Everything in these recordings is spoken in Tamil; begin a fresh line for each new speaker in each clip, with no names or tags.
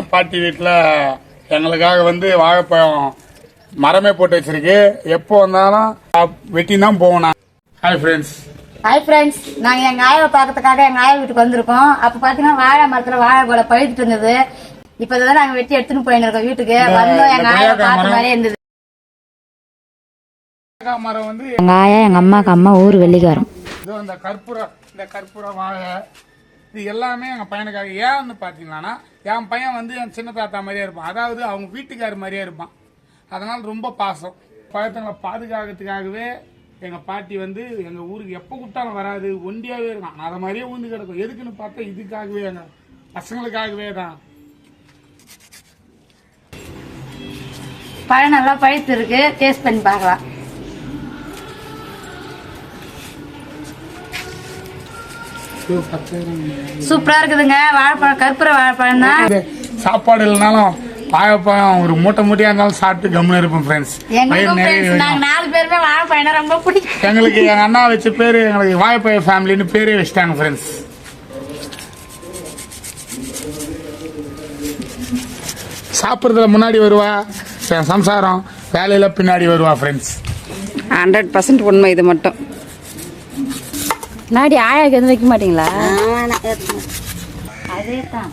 பாட்டி வீட்டில் எங்களுக்காக வந்து வாழைப்பழம் மரமே போட்டு வச்சிருக்கு. எப்போ வந்தாலும் வெட்டி தான் போகணும். Hi friends.
ஹாய் ஃப்ரெண்ட்ஸ், நாங்கள் எங்கள் ஆயாவை பார்க்கறதுக்காக எங்கள் ஆயா வீட்டுக்கு வந்திருக்கோம். அப்போ பார்த்தீங்கன்னா வாழை மரத்தில் வாழை போல பழுத்துட்டு இருந்தது. இப்போ தான் நாங்கள் வெட்டி எடுத்துன்னு போயிருக்கோம் வீட்டுக்கு. வந்தோம், எங்கள் ஆயாவை பார்த்த மாதிரியே இருந்தது.
மரம் வந்து
எங்கள் ஆயா எங்கள் அம்மாவுக்கு அம்மா ஊர் வெள்ளிக்காரம்.
இந்த கற்பூர வாழை இது எல்லாமே எங்கள் பையனுக்காக. ஏன் வந்து பார்த்தீங்கன்னா என் பையன் வந்து என் சின்ன தாத்தா மாதிரியே இருப்பான். அதாவது அவங்க வீட்டுக்காரர் மாதிரியே இருப்பான். அதனால ரொம்ப பாசம். பழத்தங்களை பாதுகாக்கிறதுக்காகவே எங்கள் பாட்டி வந்து எங்கள் ஊருக்கு எப்போ கூப்பிட்டாலும் வராது, ஒண்டியாகவே இருக்கான். அதை மாதிரியே ஊந்து கிடக்கும். எதுக்குன்னு பார்த்தா இதுக்காகவே, எங்கள் பசங்களுக்காகவே தான்.
பழம் நல்லா பழுத்து இருக்கு, டேஸ்ட் பண்ணி பார்க்கலாம். சூப்பரா இருக்குதுங்க. வாழைப்பழம், கற்பூர வாழைப்பழம் தான்.
சாப்பாடு இல்லைனாலும் வாழைப்பழம் ஒரு மூட்டையா இருந்தாலும் சாப்பிட்டு கம்முன்னு இருப்போம் ஃப்ரெண்ட்ஸ்.
நாங்க 4 பேருமே வாழைப்பழம் ரொம்ப பிடிக்கும்.
எங்களுக்கு எங்க அண்ணா வச்ச பேரு எங்களுக்கு வாழைப்பழ ஃபேமிலின்னு பேரே வச்சிட்டாங்க ஃப்ரெண்ட்ஸ். சாப்பிட்றதுல முன்னாடி வருவா என் சம்சாரம், வேலையில பின்னாடி வருவா ஃப்ரெண்ட்ஸ்.
100% உண்மை. இது மட்டும் நாடி ஆயாக்கு எதுவும் வைக்க மாட்டீங்களா?
அதே தான்.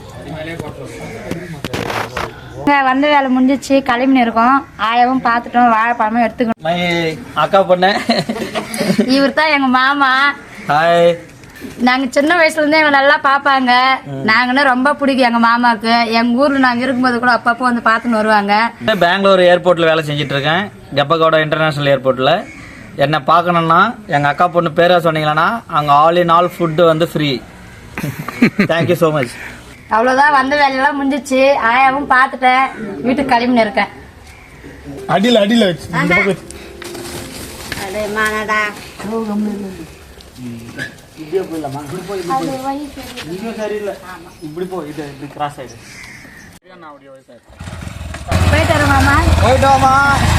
வந்த வேலை முடிஞ்சிச்சு, கிளம்பின்னு இருக்கோம். ஆயாவும் பார்த்துட்டோம், வாழைப்பழமும் எடுத்துக்கணும்.
அக்கா பொண்ணு
இவர் தான் எங்க மாமா.
ஹாய்.
நாங்க சின்ன வயசுல இருந்தே எங்களை நல்லா பாப்பாங்க. நாங்கன்னா ரொம்ப பிடிக்கும் எங்க மாமாவுக்கு. எங்க ஊர்ல நாங்க இருக்கும்போது கூட அப்பப்போ வந்து பார்த்துன்னு வருவாங்க.
பெங்களூர் ஏர்போர்ட்ல வேலை செஞ்சுட்டு இருக்கேன், கெப்பகோடா இன்டர்நேஷனல் ஏர்போர்ட்ல. என்ன பார்க்கணும்னா எங்க அக்கா பொண்ணு பேரை சொன்னீங்கன்னா அங்க ஆல் இன் ஆல் ஃபுட் வந்து ஃப்ரீ. Thank you so much.
அவ்வளவுதான், வந்த வேலையெல்லாம் முடிஞ்சிச்சு. ஆயாவும் பார்த்துட்டேன், வீட்டுக்கு கிளம்பின்னு இருக்கேன்.
அடியில வச்சு
போயிட்டு வரோம் மாமா.
போயிட்டு வாமா.